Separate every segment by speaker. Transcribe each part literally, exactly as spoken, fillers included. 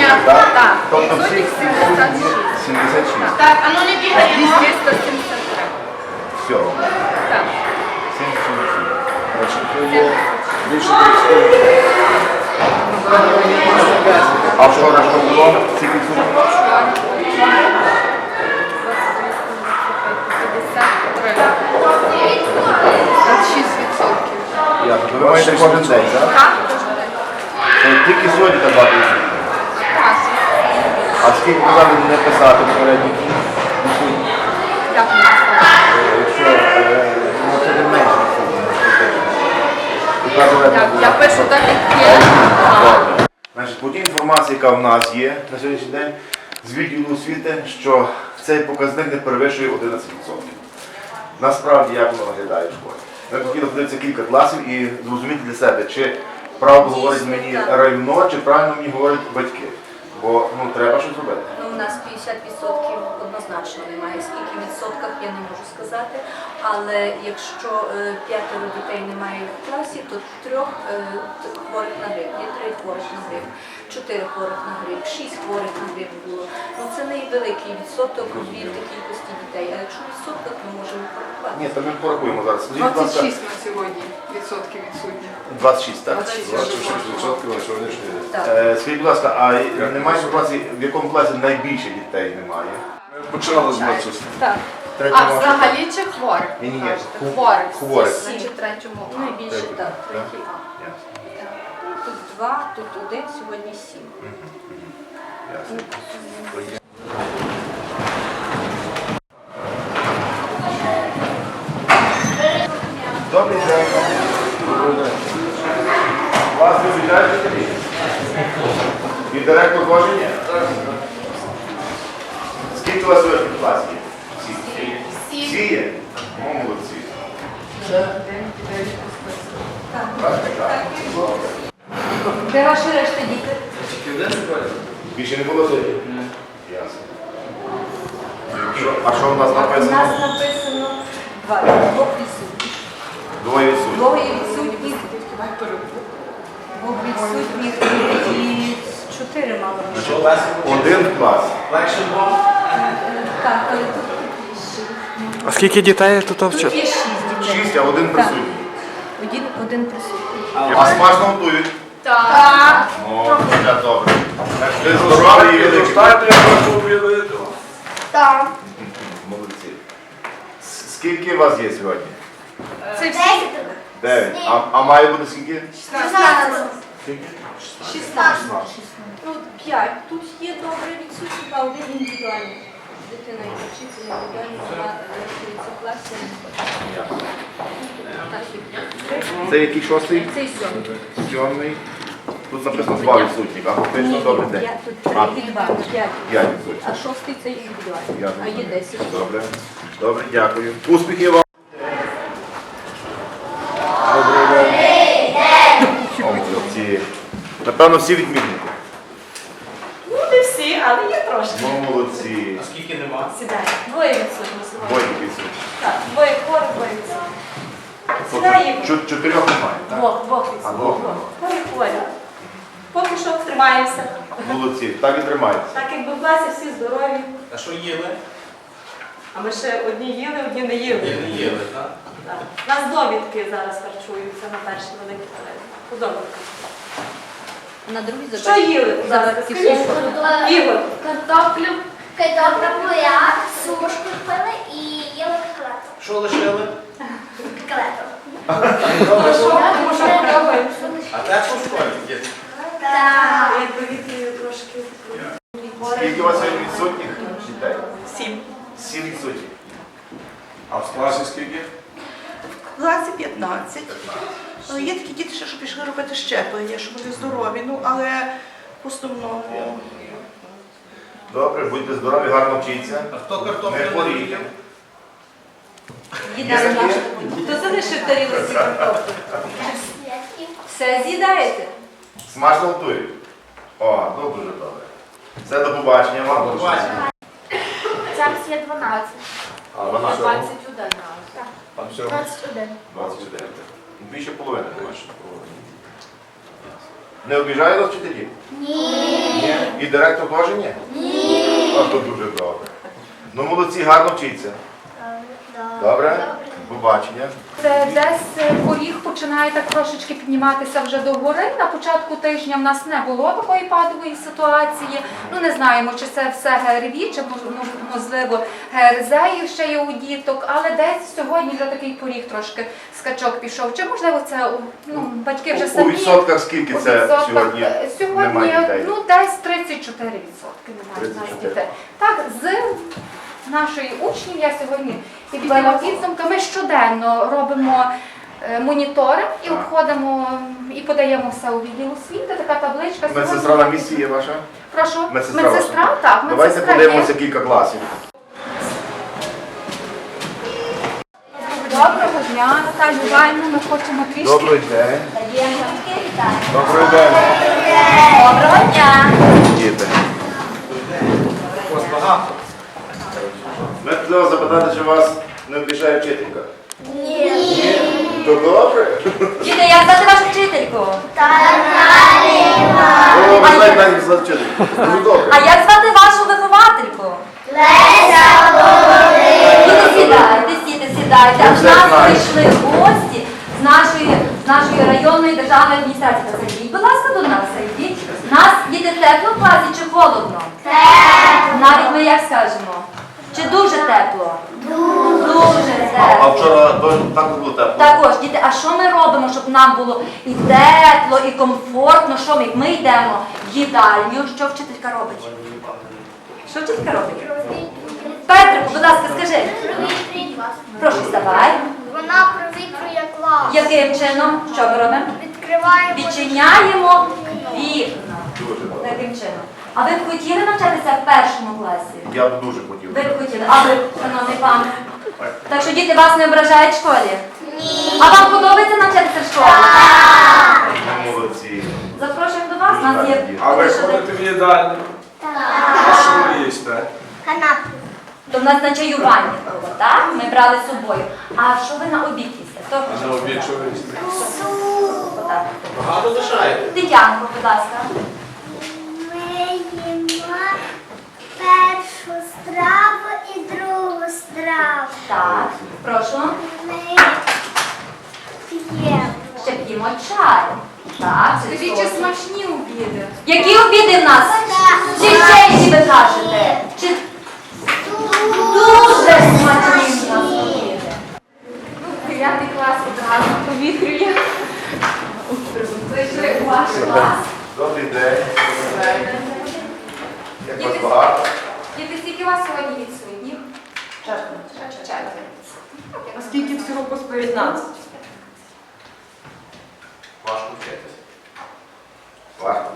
Speaker 1: відсотків, так?
Speaker 2: Так.
Speaker 1: Тобто всі
Speaker 2: сімдесят шість.
Speaker 1: сімдесят шість.
Speaker 2: Так, а ну не бігаємо. триста сімдесят три.
Speaker 1: Все.
Speaker 2: Так.
Speaker 1: сімдесят шість.
Speaker 3: Значить, то є більше тридцять.
Speaker 1: А вчора що було? Скільки відсотків?
Speaker 2: двадцять шість відсотків.
Speaker 1: Ясно. То ви маєте кожен день, так?
Speaker 2: Так?
Speaker 1: То тільки сьогодні так багато відсотків.
Speaker 2: Так.
Speaker 1: А скільки казали не писати попередні?
Speaker 2: Як не знаю.
Speaker 1: Якщо е, ну, це не менше відсотків.
Speaker 2: Я, я пишу так, як є.
Speaker 1: Добре. Значить, по тій інформації, яка в нас є на сьогоднішній день, з відділу освіти, що цей показник не перевищує одинадцять відсотків. Насправді, як воно виглядає в школі. Ми хотіли подивитися кілька класів і зрозуміти для себе, чи правду говорить мені районо, чи правильно мені говорять батьки. Бо ну, треба щось робити.
Speaker 4: Ну, у нас п'ятдесят відсотків однозначно немає. Скільки в відсотках я не можу сказати. Але якщо е, п'ятеро дітей немає в класі, то трьох е, хворих на грип, є три хворих на грип, чотири хворих на грип, шість хворих на грип було. Ну це невеликий відсоток від кількості дітей. А якщо в відсотках, ми можемо порахувати.
Speaker 1: Ні, то ми порахуємо зараз. Скажіть, будь
Speaker 5: двадцять
Speaker 1: ласка,
Speaker 5: шість на сьогодні відсотків відсутні.
Speaker 1: двадцять шість, так?
Speaker 3: двадцять шість відсотків на сьогоднішній день.
Speaker 4: Так.
Speaker 1: Е, Скажіть, будь ласка, а немає інформації, в якому класі найбільше дітей немає?
Speaker 3: Ми починали з медсестри.
Speaker 2: Так.
Speaker 1: Третьому
Speaker 2: А взагалі чи хворих?
Speaker 1: Ні, ні, ні.
Speaker 2: Кажете?
Speaker 1: Ху-
Speaker 2: Хворих.
Speaker 1: хворих.
Speaker 2: Значить, третьому. А.
Speaker 4: Найбільше
Speaker 1: Третій,
Speaker 4: так,
Speaker 1: так?
Speaker 4: третій А.
Speaker 1: Ясно.
Speaker 4: Ну, тут два, тут один, сьогодні сім.
Speaker 1: Ясно. Добрий день. Вас визначають вчителі? І директор кожен є? Скільки у вас сьогодні в класі є? Всі? Всі є? Ну, молодці. Так, так. Добре.
Speaker 4: Де ваші решта діти?
Speaker 1: Більше не було сьогодні? Ясно. Що- А що в нас
Speaker 4: У
Speaker 1: написано?
Speaker 4: нас написано два, двох відсутніх.
Speaker 1: Двоє відсутні.
Speaker 4: Двоє відсутніх, двох відсутніх і чотири мало бути.
Speaker 1: Один в клас.
Speaker 4: Так, але тут більше.
Speaker 6: А скільки дітей тут
Speaker 4: Тут
Speaker 6: вчать?
Speaker 4: є шість дітей.
Speaker 1: Шість, а один
Speaker 4: Так.
Speaker 1: присутній.
Speaker 4: Один, один присутній.
Speaker 1: А смачно готують?
Speaker 2: Так.
Speaker 1: Ну, це добре. Ви здорові і великі.
Speaker 2: Так.
Speaker 1: Молодці. С- Скільки у вас є сьогодні?
Speaker 2: Це всі.
Speaker 1: Дев'ять. А, а має бути скільки? Скільки?
Speaker 4: шістнадцять. Тут п'ять. Тут є добре відсутні, а один індивідуальний. Дитина і вчиться індивідуально, вона рахується в класі. Так, і
Speaker 1: Це який шостий?
Speaker 4: цей сьомий.
Speaker 1: Сьомий. Тут написано два відсутні, а фактично добрий день.
Speaker 4: Я тут
Speaker 1: А,
Speaker 4: три і два, п'ять.
Speaker 1: п'ять відсутні.
Speaker 4: А шостий це індивідуальний.
Speaker 1: Я
Speaker 4: А є десять.
Speaker 1: Добре. Добре, дякую. Успіхів вам. Добрий день. О, молодці. Напевно, всі відмінники.
Speaker 7: Ну, не всі, але є трошки.
Speaker 1: Ну, молодці.
Speaker 7: Сідай. Двоє відсутні сьогодні.
Speaker 1: Двоє відсутні.
Speaker 7: Так, двоє хворих, двоє відсутні. Сідай їх.
Speaker 1: Чот- Чотирьох немає, так?
Speaker 7: Двох, двох
Speaker 1: А,
Speaker 7: відсутні.
Speaker 1: двох.
Speaker 7: Двоє хворі. Поки що тримаємося.
Speaker 1: Молодці. Так і тримайтеся.
Speaker 7: Так якби в класі всі здорові.
Speaker 8: А що їли?
Speaker 7: А ми ще одні їли, одні не їли.
Speaker 8: Ні, не їли, так?
Speaker 7: Так. У нас довідки зараз харчуються на перші великі перелік. По довідках.
Speaker 4: На другий
Speaker 7: Що їли? Зараз скажіть. Ігор.
Speaker 9: Картоплю, картопля буряк, сушку пили і їли котлету.
Speaker 8: Що лишили?
Speaker 9: Котлету.
Speaker 7: Тому що тому що подобається.
Speaker 8: А тепло в школі, діти?
Speaker 9: Так.
Speaker 7: Якби вітрію трошки.
Speaker 1: Скільки у вас сьогодні відсутніх дітей?
Speaker 7: Сім.
Speaker 1: Сім відсутніх.
Speaker 3: А в класі скільки?
Speaker 5: В класі п'ятнадцять. Але є такі діти, ще, що пішли робити щеплення, що вони здорові, ну але в основному.
Speaker 1: Добре, будьте здорові, гарно вчіться.
Speaker 8: А хто
Speaker 1: Не
Speaker 8: картоплю не
Speaker 1: хворійте.
Speaker 8: їв?
Speaker 4: Їдає наша. Хто залишив тарілці картоплю? Все з'їдаєте?
Speaker 1: Смачно готують. О, ну дуже добре. Все, до побачення вам.
Speaker 8: До побачення.
Speaker 9: Зараз є дванадцять.
Speaker 1: А вона що?
Speaker 2: двадцять один.
Speaker 3: Там всього.
Speaker 9: двадцять один.
Speaker 1: двадцять чотири. Більше половини, бачиш. Не обіжає вас вчителі? Ні. І директор теж ні? Ні. А то дуже добре. Ну, молодці, гарно вчіться. Добре? Побачення.
Speaker 10: Це десь е, поріг починає так трошечки підніматися вже догори. На початку тижня в нас не було такої падової ситуації. Ну не знаємо, чи це все ГРВІ, чи ну, можливо ГРЗ ще є у діток, але десь сьогодні вже такий поріг трошки скачок пішов. Чи можливо це ну, батьки вже
Speaker 1: У
Speaker 10: самі.
Speaker 1: відсотках скільки
Speaker 10: У
Speaker 1: це
Speaker 10: відсотках,
Speaker 1: сьогодні
Speaker 10: е, сьогодні
Speaker 1: немає дітей?
Speaker 10: ну десь тридцять чотири відсотки немає в нас
Speaker 1: тридцять чотири.
Speaker 10: дітей. Так, з нашої учнів я сьогодні підбила підсумки. Ми щоденно робимо е, моніторинг і
Speaker 1: Так.
Speaker 10: обходимо і подаємо все у відділ освіти. Така табличка.
Speaker 1: Медсестра
Speaker 10: Сьогодні-
Speaker 1: на місці є ваша?
Speaker 10: Прошу.
Speaker 1: Медсестра
Speaker 10: Медсестра,
Speaker 1: ваша?
Speaker 10: так,
Speaker 1: Давайте
Speaker 10: медсестра
Speaker 1: подивимося
Speaker 10: є.
Speaker 1: кілька класів.
Speaker 10: Доброго дня, Наталю Іванівну, ми хочемо трішки.
Speaker 1: Добрий день.
Speaker 4: Даємо батьки вітання.
Speaker 1: Добрий день.
Speaker 4: Доброго дня.
Speaker 1: Діти.
Speaker 8: Ось багато.
Speaker 1: Ми хотіли запитати, чи вас не обіжає вчителька? Ні. То добре?
Speaker 4: Діти, як звати вашу вчительку?
Speaker 1: О, ви знаєте, навіть звати вчительку. Дуже добре.
Speaker 4: А як звати вашу виховательку? Діти, сідайте, сідайте, сідайте. А
Speaker 1: Ми
Speaker 4: в
Speaker 1: все
Speaker 4: нас
Speaker 1: знаємо.
Speaker 4: прийшли гості з нашої, з нашої районної державної адміністрації. Та зайдіть, будь ласка, до нас зайдіть. Нас діти тепло в класі чи холодно? Тепло. Навіть ми як скажемо? Чи дуже тепло? Дуже
Speaker 1: А
Speaker 4: тепло.
Speaker 1: вчора теж так було тепло?
Speaker 4: Також, діти, а що ми робимо, щоб нам було і тепло, і комфортно? Що ми? Ми йдемо в їдальню. Що вчителька робить? Що вчителька робить? Петрику, будь ласка, скажи. Прошу, вставай.
Speaker 9: Вона провітрює клас.
Speaker 4: Яким чином? Що ми робимо?
Speaker 9: Відкриваємо.
Speaker 4: Відчиняємо вікна.
Speaker 1: Дуже добре.
Speaker 4: Таким чином. А ви б хотіли навчатися в першому класі?
Speaker 1: Я б дуже хотів.
Speaker 4: Ви б хотіли. А ви, шановний пан? Так що діти вас не ображають в школі? Ні. А вам подобається навчатися в школі?
Speaker 1: Ну, молодці.
Speaker 4: Запрошуємо до вас. У нас є
Speaker 3: А ви
Speaker 4: поки що
Speaker 3: ходите в їдальню? А що ви їсте?
Speaker 9: Канапки.
Speaker 4: То в нас на чаювання було, так? Ми брали з собою. А що ви на обід їсте? Хто
Speaker 3: А
Speaker 4: хоче
Speaker 3: на обід що
Speaker 4: сказати?
Speaker 3: ви їсте?
Speaker 4: Отак.
Speaker 8: Багато лишаєте.
Speaker 4: Тетянко, будь ласка.
Speaker 9: Ми їмо першу страву і другу страву.
Speaker 4: Так, прошу.
Speaker 9: Ми п'ємо.
Speaker 4: Ще п'ємо чай. Так,
Speaker 10: Скажіть, чи смачні обіди?
Speaker 4: які обіди в нас? Чи чайні ви кажете? Чи дуже смачні в нас обіди?
Speaker 10: Ну, дев'ятий клас одразу повітрює. Прийшли у ваш клас.
Speaker 1: Добрий день. Як вас багато?
Speaker 10: Діти, скільки у вас сьогодні відсутніх? Четверо.
Speaker 2: А скільки всього по п'ятнадцять?
Speaker 1: Важко вчитись. Важко.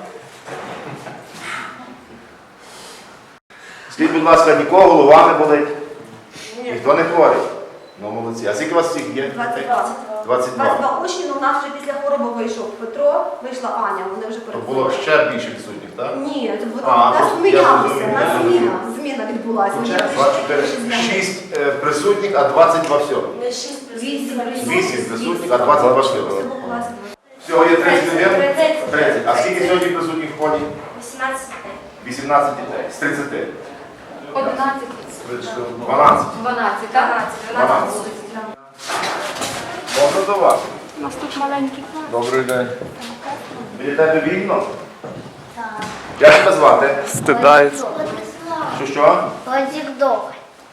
Speaker 1: Скажіть, будь ласка, нікого голова не болить? Ніхто не хворий? Ну, молодці. А скільки у вас всіх є?
Speaker 11: двадцять два.
Speaker 1: двадцять два.
Speaker 11: двадцять два учні, але у нас вже після хвороби вийшов Петро, вийшла Аня, вони вже
Speaker 1: То було
Speaker 11: переходили.
Speaker 1: ще більше відсутніх, так?
Speaker 11: Ні, це було
Speaker 1: А,
Speaker 11: у нас
Speaker 1: просто я
Speaker 11: змінялося,
Speaker 1: зрозумів,
Speaker 11: у нас
Speaker 1: я
Speaker 11: зміна,
Speaker 1: зрозумів.
Speaker 11: зміна відбулася.
Speaker 1: два, чотири, шість е, присутніх, а двадцять два всього.
Speaker 11: Ми шість вісім
Speaker 1: вісім присутніх, а двадцять два всього. Всього є тридцять один? тридцять. А скільки сьогодні присутніх в ході?
Speaker 11: вісімнадцять.
Speaker 1: вісімнадцять дітей. З тридцяти.
Speaker 10: Одинадцять.
Speaker 1: дванадцять.
Speaker 10: Дванадцять, так?
Speaker 1: дванадцять. Можна до вас?
Speaker 10: У нас тут маленький клас.
Speaker 1: Добрий день. Біля тебе вільно? Так. Як тебе звати?
Speaker 6: Стидається.
Speaker 1: Що що?
Speaker 9: Одік-дог.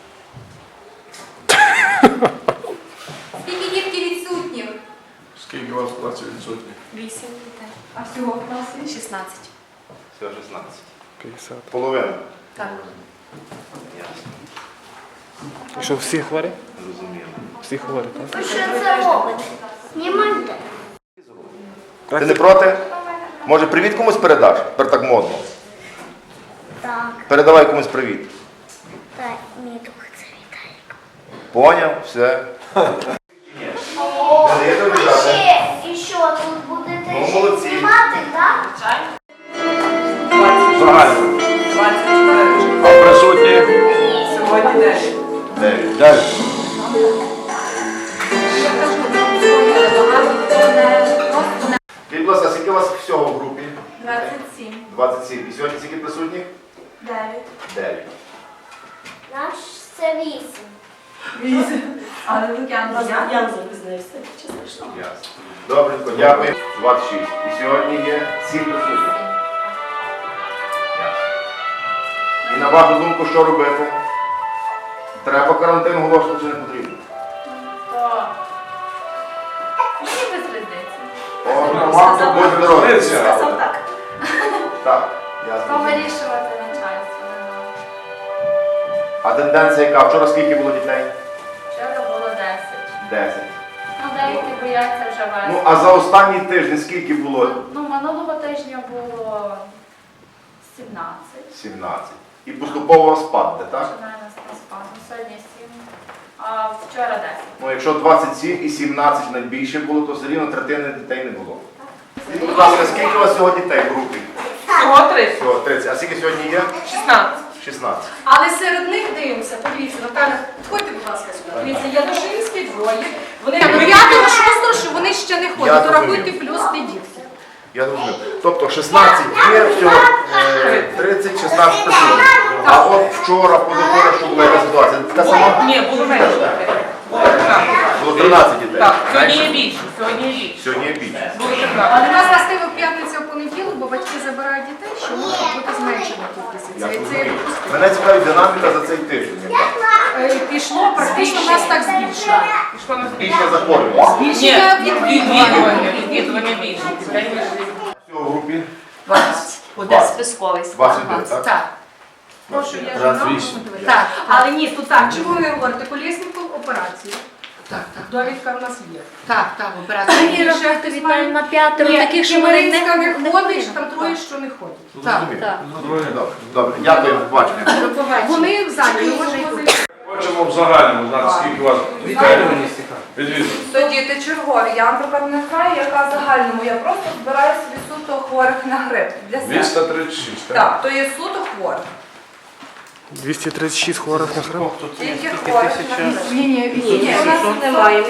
Speaker 10: Скільки дітки відсутніх?
Speaker 3: Скільки у вас в класі відсутні?
Speaker 10: Вісім дітей. А всього в класі?
Speaker 11: шістнадцять.
Speaker 1: Всього шістнадцять.
Speaker 6: п'ятдесят.
Speaker 1: Половина.
Speaker 10: Так.
Speaker 1: Ясно.
Speaker 6: І що, всі хворі?
Speaker 1: Зрозуміло.
Speaker 6: Всі хворі, так?
Speaker 9: Ви що це робите? Знімайте.
Speaker 1: Ти не проти? Може, привіт комусь передаш? Тепер так модно.
Speaker 9: Так,
Speaker 1: Передавай комусь привіт.
Speaker 9: так, мій друг це Віталік.
Speaker 1: Поняв? Все.
Speaker 9: О,
Speaker 1: Не даєте
Speaker 9: а
Speaker 1: обіжати?
Speaker 9: ще, і що, тут будете
Speaker 1: Ну,
Speaker 9: ще
Speaker 1: молодці.
Speaker 9: знімати, так?
Speaker 1: Загально.
Speaker 3: А присутні?
Speaker 2: Сьогодні дев'ять.
Speaker 1: Дев'ять. Далі.
Speaker 10: Я кажу, сьогодні багато хто не просто не
Speaker 1: Скажіть, будь ласка, скільки у вас всього в групі?
Speaker 7: двадцять сім.
Speaker 1: двадцять сім. І сьогодні скільки присутніх?
Speaker 9: Дев'ять.
Speaker 1: дев'ять.
Speaker 9: Наш це вісім.
Speaker 2: Але Лук'ян
Speaker 7: Я я запізнився, чи смішно?
Speaker 1: Ясно. Добренько, дякую. двадцять шість. І сьогодні є сім присутніх. Ясно. І на вашу думку, що робити? Треба карантин оголошувати чи не потрібно?
Speaker 7: То мені без різниці.
Speaker 1: О, на вам буде дорога.
Speaker 7: Сказав так.
Speaker 1: Так, я
Speaker 10: То
Speaker 1: зрозумів.
Speaker 10: вирішувати начальство. нема.
Speaker 1: А тенденція яка? Вчора скільки було дітей?
Speaker 10: Вчора було десять.
Speaker 1: десять.
Speaker 10: Ну, деякі бояться вже вести.
Speaker 1: Ну, а за останній тиждень скільки було?
Speaker 10: Ну, минулого тижня було сімнадцять.
Speaker 1: сімнадцять. І поступово спадне, так?
Speaker 10: Починає нас на спад. Ну, сьогодні сім, а вчора десять.
Speaker 1: Ну, якщо двадцять сім і сімнадцять найбільше було, то все рівно третини дітей не було. Скажіть, будь ласка, скільки у вас всього дітей в групі?
Speaker 2: Всього тридцять.
Speaker 1: Всього тридцять. А скільки сьогодні є?
Speaker 2: шістнадцять.
Speaker 1: шістнадцять.
Speaker 2: Але серед них дивимося, подивіться, Наталя, підходьте, будь ласка, сюди. Дивіться, Янушинські двоє. Вони до п'ятого, шостого, що вони ще не
Speaker 1: Я
Speaker 2: ходять. То
Speaker 1: зрозумів.
Speaker 2: рахуйте плюс підітки.
Speaker 1: Я зрозумів. Тобто шістнадцять є, всього е, тридцять, шістнадцять присутніх. А от вчора, позавчора, що була яка ситуація? Та сама?
Speaker 2: Ні, було менше.
Speaker 1: Було тринадцять дітей.
Speaker 2: Так, сьогодні є більше, сьогодні є більше.
Speaker 1: Сьогодні є більше.
Speaker 2: Але нас властиво в п'ятницю в понеділок, бо батьки забирають дітей, що може бути зменшена кількість.
Speaker 1: Я
Speaker 2: Це, це
Speaker 1: зрозумів. Мене цікавить динаміка за цей тиждень. яка?
Speaker 2: е, пішло, практично нас так збільшило. Пішло нас
Speaker 1: Більше захворювання.
Speaker 2: Збільшення відвідування. Відвідування більше.
Speaker 1: Всього в групі
Speaker 7: Буде списковий
Speaker 1: двадцять дев'ять, так?
Speaker 2: Так. Прошу, я
Speaker 1: Раз,
Speaker 2: жена.
Speaker 1: вісім.
Speaker 2: Так, але ні, тут так, чому ви говорите? Колєсніков операцію. Так, так. Довідка в нас є. Так, так, операція.
Speaker 10: І рахуйте Віталій на п'ятеро таких, що вони
Speaker 2: Хмельницька
Speaker 10: не
Speaker 2: не ходить, там троє, що не ходять.
Speaker 1: Так, Добре, добре. Дякую, побачення.
Speaker 2: Вони зайняті, можемо позицію.
Speaker 3: Хочемо в загальному знати, скільки у вас відвідує.
Speaker 5: То діти чергові. Я, наприклад, не знаю, яка загальному. Я просто збираю собі суто хворих на грип для себе.
Speaker 3: двісті тридцять шість, так?
Speaker 5: Так, то є суто хворих.
Speaker 6: двісті тридцять шість хворих на хрип.
Speaker 5: Тільки хворих на грип.
Speaker 2: Ні, ні,
Speaker 5: Ні, у нас немає.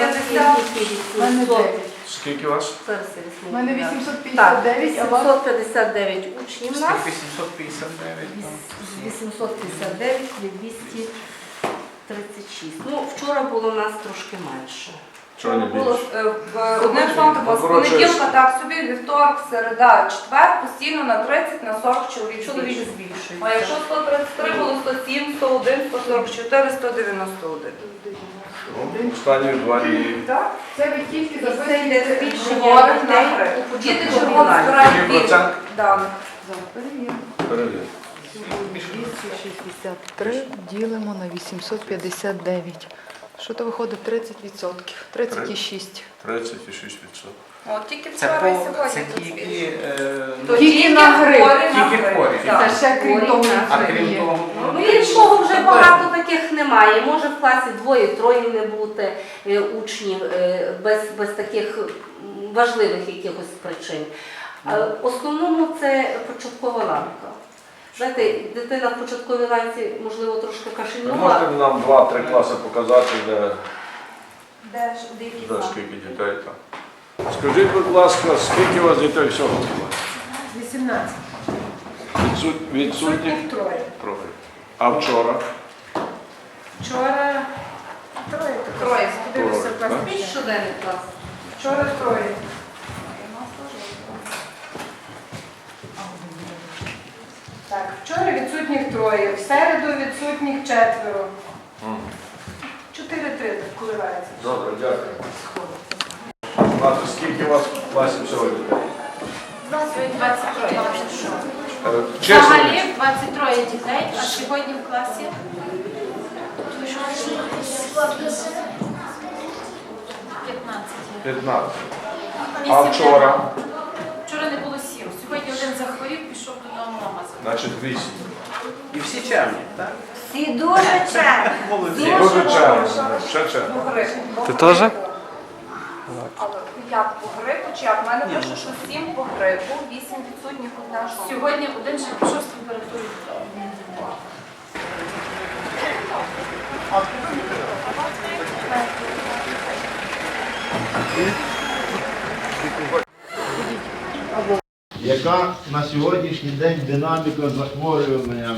Speaker 3: Скільки у вас?
Speaker 2: У мене вісімсот
Speaker 5: Так,
Speaker 2: п'ятдесят дев'ять, а вас?
Speaker 5: вісімсот п'ятдесят дев'ять учнів у нас.
Speaker 8: вісімсот п'ятдесят дев'ять.
Speaker 5: вісімсот п'ятдесят дев'ять і двісті тридцять шість. Ну, вчора було у нас трошки менше.
Speaker 3: Чого не
Speaker 5: Було
Speaker 3: більше?
Speaker 5: е, в одним словом,
Speaker 3: Ну,
Speaker 5: з
Speaker 3: коротше,
Speaker 5: понеділка так собі, вівторок, середа, четвер, постійно на тридцять, на сорок чоловік
Speaker 2: Чоловік
Speaker 5: збільшується. А якщо сто тридцять три, було сто сім, сто один, сто сорок чотири, сто дев'яносто один.
Speaker 3: Ну, останні два дні.
Speaker 5: Так?
Speaker 2: Це ви тільки
Speaker 5: І це йде
Speaker 2: записуєте
Speaker 5: збільшення
Speaker 2: хворих на
Speaker 5: дітей.
Speaker 2: грип.
Speaker 5: Діти червоно збирають
Speaker 3: Який
Speaker 5: більше
Speaker 3: процент?
Speaker 5: даних.
Speaker 3: Перевір.
Speaker 12: двісті шістдесят три ділимо на вісімсот п'ятдесят дев'ять. Що то виходить тридцять відсотків? тридцять шість.
Speaker 3: тридцять шість відсотків.
Speaker 5: От тільки
Speaker 8: Це
Speaker 5: вчора і
Speaker 8: по
Speaker 5: сьогодні
Speaker 8: це
Speaker 5: тут
Speaker 8: тільки,
Speaker 5: збільшується.
Speaker 8: е,
Speaker 5: То
Speaker 2: Тільки на грип.
Speaker 5: хворі на
Speaker 8: Тільки
Speaker 5: грип.
Speaker 8: хворі.
Speaker 5: Так.
Speaker 2: Та ще крім того,
Speaker 8: а
Speaker 2: що
Speaker 8: крім
Speaker 2: є.
Speaker 8: того,
Speaker 5: Ну, іншого вже багато таких немає. Може в класі двоє-троє не бути е, учнів е, без, без таких м, важливих якихось причин. А в основному це початкова ланка. Знаєте, дитина в початковій ланці, можливо, трошки
Speaker 3: Ви
Speaker 5: кашельнула.
Speaker 3: можете нам два-три класи показати, де,
Speaker 5: Де ж деякі
Speaker 3: де
Speaker 5: класи?
Speaker 3: скільки дітей там? Скажіть, будь ласка, скільки у вас дітей всього в класі?
Speaker 2: вісімнадцять.
Speaker 3: Відсут- Відсутніх?
Speaker 2: Відсутніх троє.
Speaker 3: Троє. А вчора?
Speaker 2: Вчора троє.
Speaker 5: Троє.
Speaker 2: Подивлюся в
Speaker 3: Троє,
Speaker 2: класі.
Speaker 5: Більш щоденний клас.
Speaker 2: Вчора троє. Так, вчора відсутніх троє, в середу відсутніх четверо. Чотири-три так коливається.
Speaker 3: Добре, дякую. Знати, скільки у вас в класі всього дітей?
Speaker 7: двадцять троє.
Speaker 3: Е, Чесно,
Speaker 7: Взагалі двадцять троє дітей, а сьогодні в класі п'ятнадцять.
Speaker 3: п'ятнадцять. А вчора?
Speaker 7: Вчора не було сім. Сьогодні один захворів, пішов додому на магазин.
Speaker 3: Значить, вісім.
Speaker 8: І всі чемні, так?
Speaker 5: Всі дуже чемні.
Speaker 8: Молодці.
Speaker 3: Дуже чемно. Ще чемно.
Speaker 5: По грипу.
Speaker 6: Ти теж?
Speaker 5: Але як по грипу, чи як? В мене пише, що сім по грипу, вісім відсутніх одна жодна.
Speaker 7: Сьогодні один ще пішов з температурою.
Speaker 1: Як яка на сьогоднішній день динаміка захворювання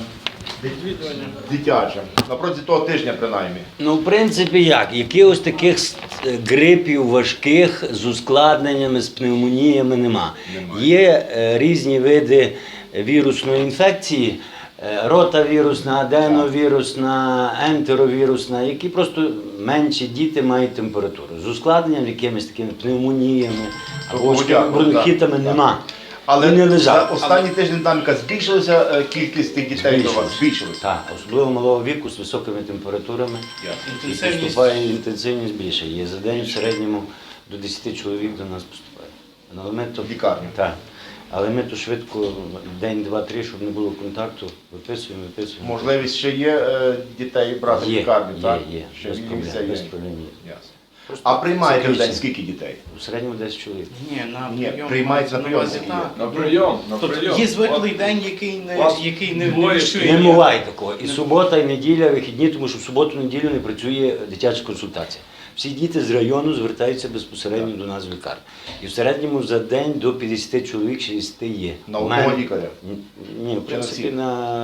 Speaker 1: дитяче? На протязі того тижня, принаймні.
Speaker 13: Ну, в принципі, як? Якихось таких е, грипів важких з ускладненнями, з пневмоніями нема.
Speaker 1: Немає.
Speaker 13: Є е, різні види вірусної інфекції, е, ротавірусна, аденовірусна, ентеровірусна, які просто менші діти мають температуру. З ускладненням, якимись такими пневмоніями або важкими
Speaker 1: Тобто,
Speaker 13: бронхітами
Speaker 1: так.
Speaker 13: нема.
Speaker 1: Але
Speaker 13: І не
Speaker 1: за
Speaker 13: лежав.
Speaker 1: останній тиждень динаміка збільшилася е, кількість тих дітей до вас? Збільшилася.
Speaker 13: Так, особливо малого віку з високими температурами. І
Speaker 8: Інтенсивність.
Speaker 13: поступає інтенсивність більше. Є за день в середньому до десяти чоловік до нас поступає. Але ми то,
Speaker 1: В лікарню.
Speaker 13: так. Але ми то швидко, день, два, три, щоб не було контакту, виписуємо, виписуємо.
Speaker 1: Можливість ще є е, дітей брати в
Speaker 13: Є,
Speaker 1: лікарню,
Speaker 13: є,
Speaker 1: так?
Speaker 13: є,
Speaker 1: Ще
Speaker 13: без
Speaker 1: є
Speaker 13: проблем,
Speaker 1: місця є.
Speaker 13: без проблем є.
Speaker 1: Ясно.
Speaker 13: Просто
Speaker 1: А приймаєте в
Speaker 13: це
Speaker 1: день
Speaker 13: більше.
Speaker 1: скільки дітей?
Speaker 13: У середньому десять чоловік.
Speaker 8: Ні, на
Speaker 1: Ні,
Speaker 8: прийом.
Speaker 1: приймається на прийом,
Speaker 8: увазі,
Speaker 1: скільки
Speaker 8: так.
Speaker 3: На прийом, на
Speaker 8: Тобто
Speaker 3: прийом.
Speaker 8: є звиклий
Speaker 3: От
Speaker 8: день, який не,
Speaker 3: вас
Speaker 8: який не, не
Speaker 3: двоє
Speaker 8: вирішує.
Speaker 13: Не буває такого. І субота, і неділя, вихідні, тому що в суботу-неділю не працює дитяча консультація. Всі діти з району звертаються безпосередньо до нас в лікарню. І в середньому за день до п'ятдесят чоловік, шістдесят є.
Speaker 1: На
Speaker 13: У
Speaker 1: одного
Speaker 13: мене-
Speaker 1: лікаря?
Speaker 13: Ні, в принципі,
Speaker 1: всіх?
Speaker 13: на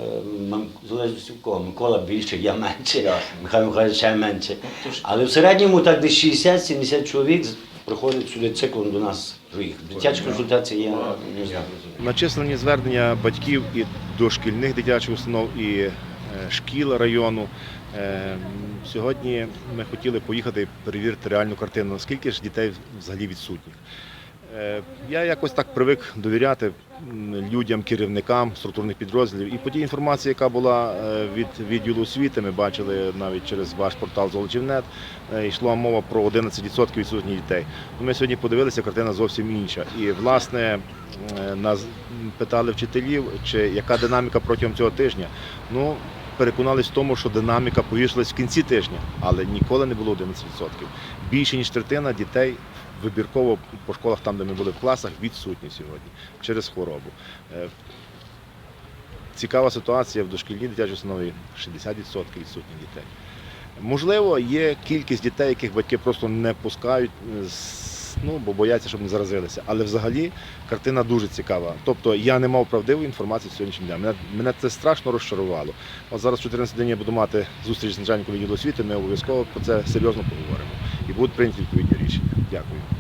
Speaker 13: м, в залежності в кого. Микола більше, я менше,
Speaker 1: Ясно.
Speaker 13: Михайло Михайлович ще менше.
Speaker 8: тож-
Speaker 13: Але в середньому так десь шістдесят-сімдесят чоловік проходить сюди циклом до нас своїх. Дитяча консультація я не знаю.
Speaker 1: Начислені звернення батьків і дошкільних дитячих установ, і е, шкіл району. Е, Сьогодні ми хотіли поїхати і перевірити реальну картину, наскільки ж дітей взагалі відсутніх. Е, Я якось так привик довіряти м, людям, керівникам структурних підрозділів. І по тій інформації, яка була е, від відділу освіти, ми бачили навіть через ваш портал Золочівнет, е, йшла мова про одинадцять відсотків відсутніх дітей. Ну, Ми сьогодні подивилися, картина зовсім інша. І, власне, е, нас питали вчителів, чи яка динаміка протягом цього тижня. Ну, переконались в тому, що динаміка повішалась в кінці тижня, але ніколи не було одинадцять відсотків. Більше ніж третина дітей вибірково по школах, там, де ми були в класах, відсутні сьогодні через хворобу. Е, Цікава ситуація в дошкільній дитячій установі – шістдесят відсотків відсутніх дітей. Можливо, є кількість дітей, яких батьки просто не пускають, з- ну, бо бояться, щоб не заразилися. Але взагалі картина дуже цікава. Тобто я не мав правдивої інформації сьогоднішнього дня. Мене, мене це страшно розчарувало. От зараз в чотирнадцятій годині я буду мати зустріч з начальником відділу освіти, ми обов'язково про це серйозно поговоримо. І будуть прийняті відповідні рішення. Дякую.